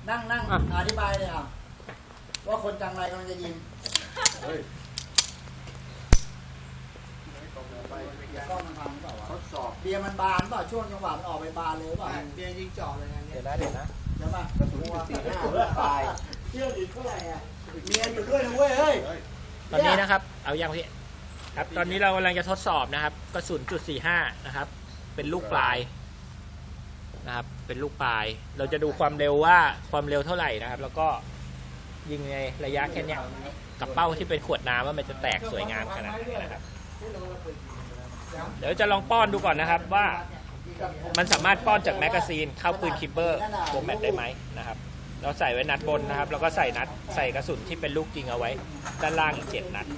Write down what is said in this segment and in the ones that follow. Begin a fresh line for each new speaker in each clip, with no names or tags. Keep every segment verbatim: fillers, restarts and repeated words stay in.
นั่งนั่งอธิบายเลยอ่ะว่าคนจังไรกำลังจะยิงกล้องมันพังเปล่าวะทดสอบเบียร์มันบานเปล่าช่วงจังหวะมันออกไปบานเลยเปล่าเบียร์ยิงจ่อเลยนะเดี๋ยวนะเดี๋ยวนะเดี๋ยวมากระสุนสี่ห้าตายเชื่ออีกเท่าไหร่อ่ะเมียอยู่ด้วยนะเว้ยเฮ้ย
ตอนนี้นะครับเอาอย่างพี่ครับตอนนี้เรากำลังจะทดสอบนะครับกระสุนจุดสี่ห้านะครับเป็นลูกปลายนะครับเป็นลูกปลายเราจะดูความเร็วว่าความเร็วเท่าไหร่นะครับแล้วก็ยิงในระยะแค่นี้กับเป้าที่เป็นขวดน้ำว่ามันจะแตกสวยงามขนาดไหนนะครับเดี๋ยวจะลองป้อนดูก่อนนะครับว่ามันสามารถป้อนจากแมกกาซีนเข้าปืนคิปเปอร์โฟร์แมตได้ไหมนะครับเราใส่ไว้นัดบนนะครับแล้วก็ใส่นัดใส่กระสุนที่เป็นลูกจริงเอาไว้ด้านล่างอีกเจ็ดนัด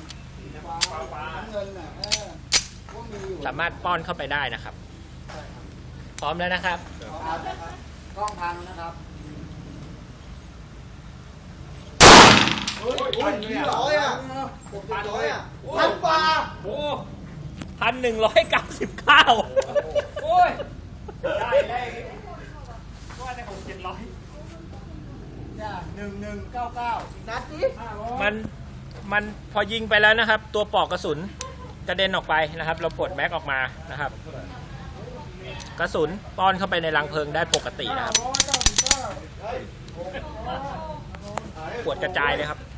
สามารถป้อนเข้าไปได้นะครับพร้อมแล้วนะครับ
กล้องพังนะครับ
พันหนึ่งร้อยอ่ะพันร้อยอ่ะพันกว่า
โอ้พันหนึ่งร้อยเก้าสิบเก้าโอ้ยได้ได้ว่าในผมเจ็ดร้อย
เนี่ยหนึ่งหนึ่งเก้าเก้านัดนี้
มันมันพอยิงไปแล้วนะครับตัวปลอกกระสุนกระเด็นออกไปนะครับเราปลดแม็กออกมานะครับกระสุนป้อนเข้าไปในรังเพลิงได้ปกตินะครับปวดกระจายเลยครับ